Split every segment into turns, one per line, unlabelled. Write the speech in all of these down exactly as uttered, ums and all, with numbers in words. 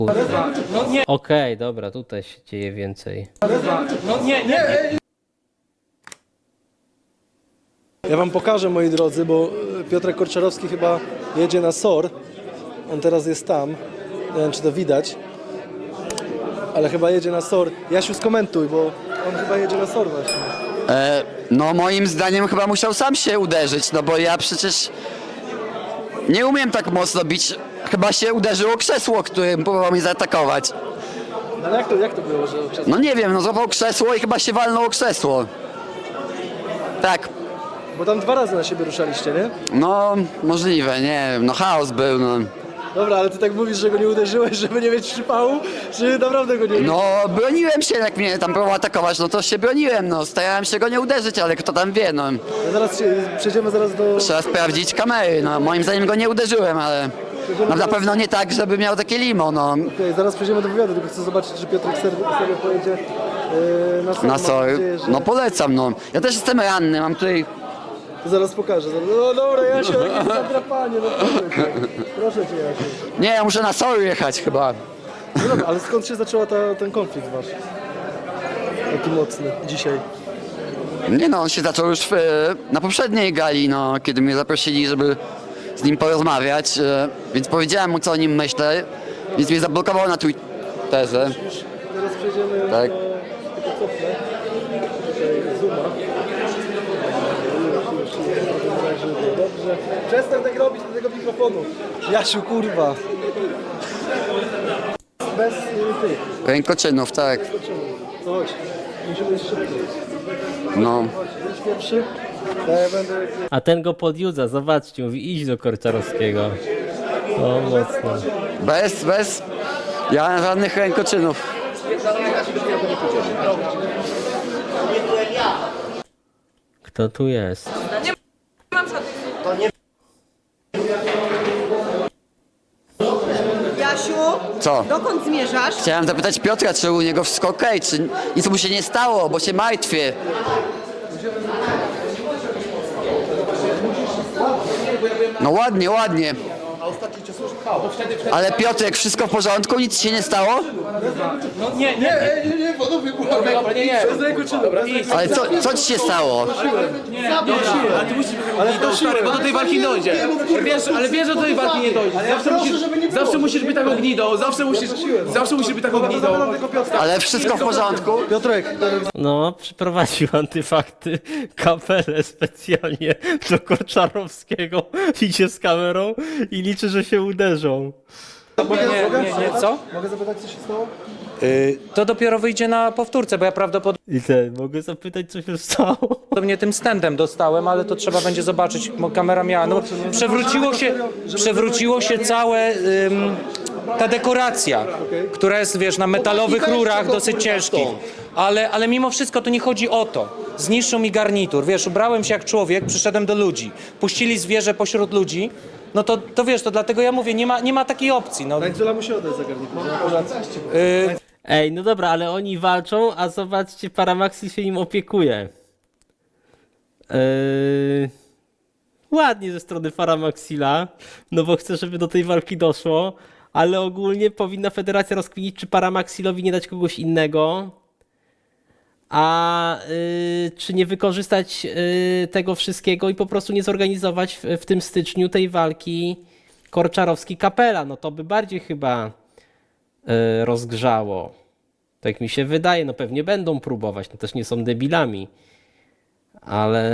No nie,
Okej, dobra, tutaj się dzieje więcej.
no nie, nie.
Ja wam pokażę, moi drodzy, bo Piotrek Korczarowski chyba jedzie na S O R. On teraz jest tam. Nie wiem, czy to widać. Ale chyba jedzie na S O R. Jasiu, skomentuj, bo on chyba jedzie na S O R właśnie.
E, no moim zdaniem chyba musiał sam się uderzyć, no bo ja przecież nie umiem tak mocno bić. Chyba się uderzyło krzesło, którym próbował mnie zaatakować.
No ale jak to, jak to było, że przez...
No nie wiem, no złapał krzesło i chyba się walnął o krzesło. Tak,
Bo tam dwa razy na siebie ruszaliście, nie?
no możliwe, nie wiem, no chaos był, no.
Dobra, ale ty tak mówisz, że go nie uderzyłeś, żeby nie mieć przypału, czy naprawdę go nie...
No broniłem się, jak mnie tam próbował atakować, no to się broniłem, no starałem się go nie uderzyć, ale kto tam wie, no.
No zaraz się, przejdziemy zaraz do...
Trzeba sprawdzić kamery, no moim zdaniem go nie uderzyłem, ale no, na pewno nie tak, żeby miał takie limo, no.
Okej, zaraz przejdziemy do wywiadu, tylko chcę zobaczyć, czy Piotrek serio serio pojedzie yy, na S O R.
Na
Mam
sorry.
nadzieję, że-
No polecam, no. Ja też jestem ranny, mam tutaj...
To zaraz pokażę. Zaraz... No dobra, Jasiu, jakie zadrapanie, no proszę cię. Proszę cię, Jasiu.
Nie, ja muszę na sorry jechać chyba.
No dobra, ale skąd się zaczęła ta, ten konflikt wasz? Taki mocny dzisiaj.
Nie no, on się zaczął już w, na poprzedniej gali, no, kiedy mnie zaprosili, żeby z nim porozmawiać, e, więc powiedziałem mu, co o nim myślę, więc mnie zablokował na Twitterze.
Teraz przejdziemy
Tak.
do... Tylko cofnę. Tutaj zooma. Już, już, już. Dobrze. Przestań tak robić do tego mikrofonu. Jasiu, kurwa. Bez y, tych.
Rękoczynów, tak.
To chodź. Musimy iść szybko.
No.
Chodź, idź pierwszy. Ja będę...
A ten go podjudza, zobaczcie, mówi idź do Korczarowskiego. O, mocno.
Bez, bez. Ja mam żadnych rękoczynów.
Kto tu jest?
Jasiu,
Co?
dokąd zmierzasz?
Chciałem zapytać Piotra, czy u niego wszystko okej, czy nic mu się nie stało, bo się martwię. No ładnie, ładnie. Ale Piotrek, wszystko w porządku? Nic się nie stało?
No nie, nie.
Nie, nie, panowie,
Dobra, nie, nie.
bez ręku czynu.
Ale co, co ci się stało?
Ale ty musisz ale do stary, bo do tej walki dojdzie. Wiesz, ale wiesz, że do tej walki nie dojdzie. Zawsze musisz, zawsze musisz być taką gnidą, zawsze musisz, zawsze musisz być taką gnidą.
Ale wszystko w porządku?
Piotrek,
No, przyprowadził antyfakty kapelę specjalnie do Korczarowskiego. Idzie z kamerą i liczy, że się uderzą.
mogę,
Nie,
mogę?
nie, nie, co?
Mogę zapytać, co się stało?
To dopiero wyjdzie na powtórce, bo ja prawdopodobnie
I ten, mogę zapytać, co się stało?
tym standem dostałem, ale to trzeba będzie zobaczyć, bo kamera miała. No, przewróciło się, przewróciło się całe ym, ta dekoracja, która jest, wiesz, na metalowych rurach, dosyć ciężkich. Ale, ale mimo wszystko to nie chodzi o to. Zniszczył mi garnitur. Wiesz, ubrałem się jak człowiek, przyszedłem do ludzi. Puścili zwierzę pośród ludzi. No to, to wiesz, to dlatego ja mówię, nie ma, nie ma takiej opcji. No,
Tańcula musi oddać za garnitur.
yy,
Ej, no dobra, ale oni walczą, a zobaczcie, Paramaxi się im opiekuje. Yy... Ładnie ze strony Paramaxila, no bo chce, żeby do tej walki doszło, ale ogólnie powinna federacja rozkminić, czy Paramaxilowi nie dać kogoś innego, a yy, czy nie wykorzystać yy, tego wszystkiego i po prostu nie zorganizować w, w tym styczniu tej walki Korczarowski-Kapela. No to by bardziej chyba yy, rozgrzało. Tak mi się wydaje, no pewnie będą próbować, no też nie są debilami, ale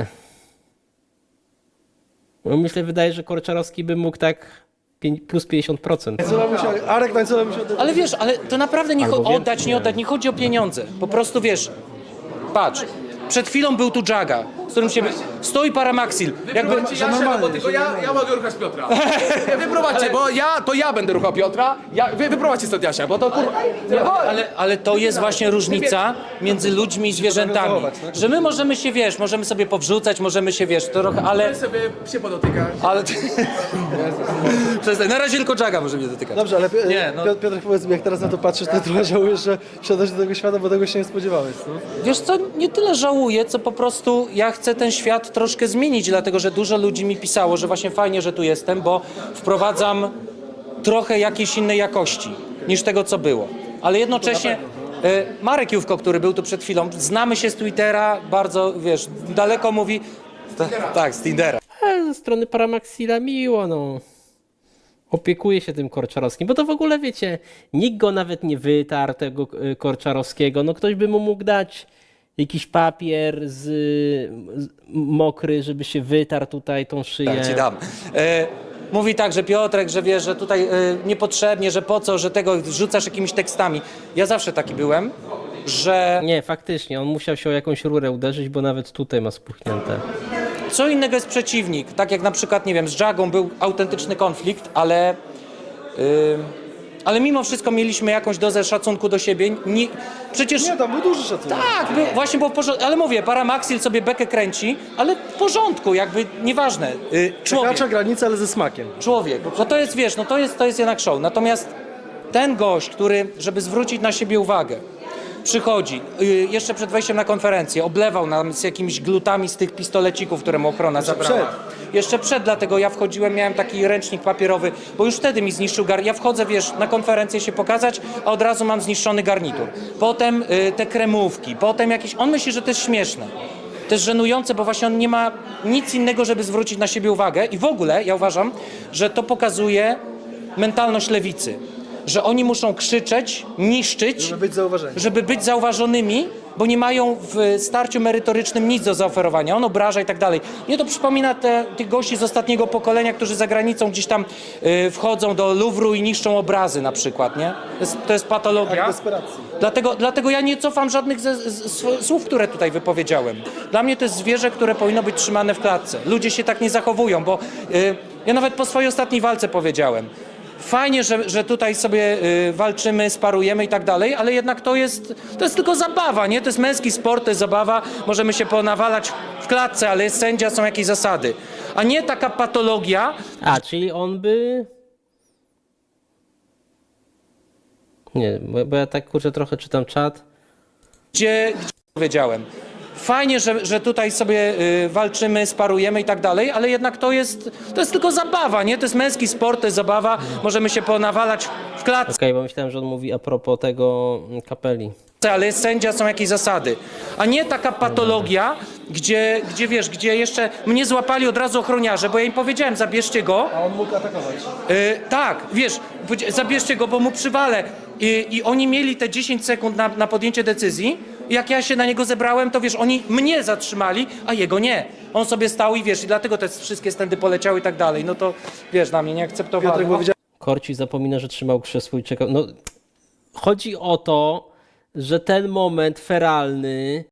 no myślę, wydaje, że Korczarowski by mógł tak pię- plus pięćdziesiąt procent.
Tańcula musi, Arek Tańcula musi oddać.
ale wiesz, ale to naprawdę nie
Albo
cho-
więcej,
oddać,
nie
nie oddać,
wiem.
nie chodzi o pieniądze. Po prostu wiesz, patrz, przed chwilą był tu Jaga, z którym się... Stoi Paramaxil. Jakby...
Ja siadam, bo tylko ja, ja mogę ruchać Piotra. Wyprowadźcie, bo ja, to ja będę ruchał Piotra. Ja, wy, wyprowadźcie stąd Jasia, bo to kur... Nie, bo...
Ale, ale to jest właśnie różnica między ludźmi i zwierzętami. Że my możemy się, wiesz, możemy sobie powrzucać, możemy się, wiesz, trochę, ale...
sobie się podotykać.
ale... Przestań, na razie tylko Jaga może mnie dotykać.
Dobrze, ale Pi-
Nie, no.
Piotr, Piotr, powiedz mi, jak teraz na to patrzysz, to trochę żałujesz, że wsiadasz do tego świata, bo tego się nie spodziewałeś, no?
Wiesz co, nie tyle żałuję, co po prostu ja chcę ten świat troszkę zmienić, dlatego że dużo ludzi mi pisało, że właśnie fajnie, że tu jestem, bo wprowadzam trochę jakiejś innej jakości. niż tego, co było. Ale jednocześnie e, Marek Jówko, który był tu przed chwilą, znamy się z Twittera, bardzo, wiesz, daleko mówi... Tak, z Tindera.
Ale ze strony Paramaxila miło, no. Opiekuje się tym Korczarowskim, bo to w ogóle, wiecie, nikt go nawet nie wytarł, tego y, Korczarowskiego. No ktoś by mu mógł dać jakiś papier z, z mokry, żeby się wytarł tutaj tą szyję.
Tak, ci dam. E, mówi tak, że Piotrek, że wiesz, że tutaj e, niepotrzebnie, że po co, że tego rzucasz jakimiś tekstami. Ja zawsze taki byłem, że
Nie, faktycznie, on musiał się o jakąś rurę uderzyć, bo nawet tutaj ma spuchnięte.
co innego jest przeciwnik. Tak jak na przykład, nie wiem, z Jagą był autentyczny konflikt, ale... Yy, ale mimo wszystko mieliśmy jakąś dozę szacunku do siebie. Nie, przecież...
Nie, tam był duży szacunek.
Tak, był, właśnie było w porządku, ale mówię, Paramaxil sobie bekę kręci, ale w porządku, jakby nieważne. Yy, człowiek.
Przekracza granicę, ale ze smakiem.
Człowiek. No to jest, wiesz, no to jest, to jest jednak show. Natomiast ten gość, który, żeby zwrócić na siebie uwagę, przychodzi, y, jeszcze przed wejściem na konferencję, oblewał nam z jakimiś glutami z tych pistolecików, które mu ochrona zabrała. Jeszcze przed, dlatego ja wchodziłem, miałem taki ręcznik papierowy, bo już wtedy mi zniszczył garnitur. Ja wchodzę, wiesz, na konferencję się pokazać, a od razu mam zniszczony garnitur. Potem y, te kremówki, potem jakieś... On myśli, że to jest śmieszne. To jest żenujące, bo właśnie on nie ma nic innego, żeby zwrócić na siebie uwagę i w ogóle ja uważam, że to pokazuje mentalność lewicy. Że oni muszą krzyczeć, niszczyć,
Żeby być zauważeni.
żeby być zauważonymi, bo nie mają w starciu merytorycznym nic do zaoferowania. On obraża i tak dalej. Mnie to przypomina te, tych gości z ostatniego pokolenia, którzy za granicą gdzieś tam y, wchodzą do Luwru i niszczą obrazy na przykład, nie? To jest, to jest patologia.
Akt desperacji.
Dlatego, dlatego ja nie cofam żadnych ze, z, z, słów, które tutaj wypowiedziałem. Dla mnie to jest zwierzę, które powinno być trzymane w klatce. Ludzie się tak nie zachowują, bo y, ja nawet po swojej ostatniej walce powiedziałem, fajnie, że, że tutaj sobie y, walczymy, sparujemy i tak dalej, ale jednak to jest, to jest tylko zabawa, nie? To jest męski sport, to jest zabawa, możemy się ponawalać w klatce, ale jest sędzia, są jakieś zasady. A nie taka patologia,
A, czyli on by... Nie, bo, bo ja tak, kurczę, trochę czytam czat.
gdzie, gdzie powiedziałem. Fajnie, że, że tutaj sobie y, walczymy, sparujemy i tak dalej, ale jednak to jest, to jest tylko zabawa, nie? To jest męski sport, to jest zabawa, możemy się ponawalać w klatce,
Okej, bo myślałem, że on mówi a propos tego mm, kapeli.
ale jest sędzia, są jakieś zasady. A nie taka patologia, gdzie, gdzie wiesz, gdzie jeszcze mnie złapali od razu ochroniarze, bo ja im powiedziałem, zabierzcie go.
A on mógł atakować.
Y, tak, wiesz, powiedzia- zabierzcie go, bo mu przywalę. I, i oni mieli te dziesięć sekund na, na podjęcie decyzji. I jak ja się na niego zebrałem, to wiesz, oni mnie zatrzymali, a jego nie. On sobie stał i wiesz, i dlatego te wszystkie stędy poleciały i tak dalej. No to wiesz, na mnie nie akceptowali.
Piotrek powiedział,
Korci zapomina, że trzymał krzesło i czekał. No, chodzi o to, że ten moment feralny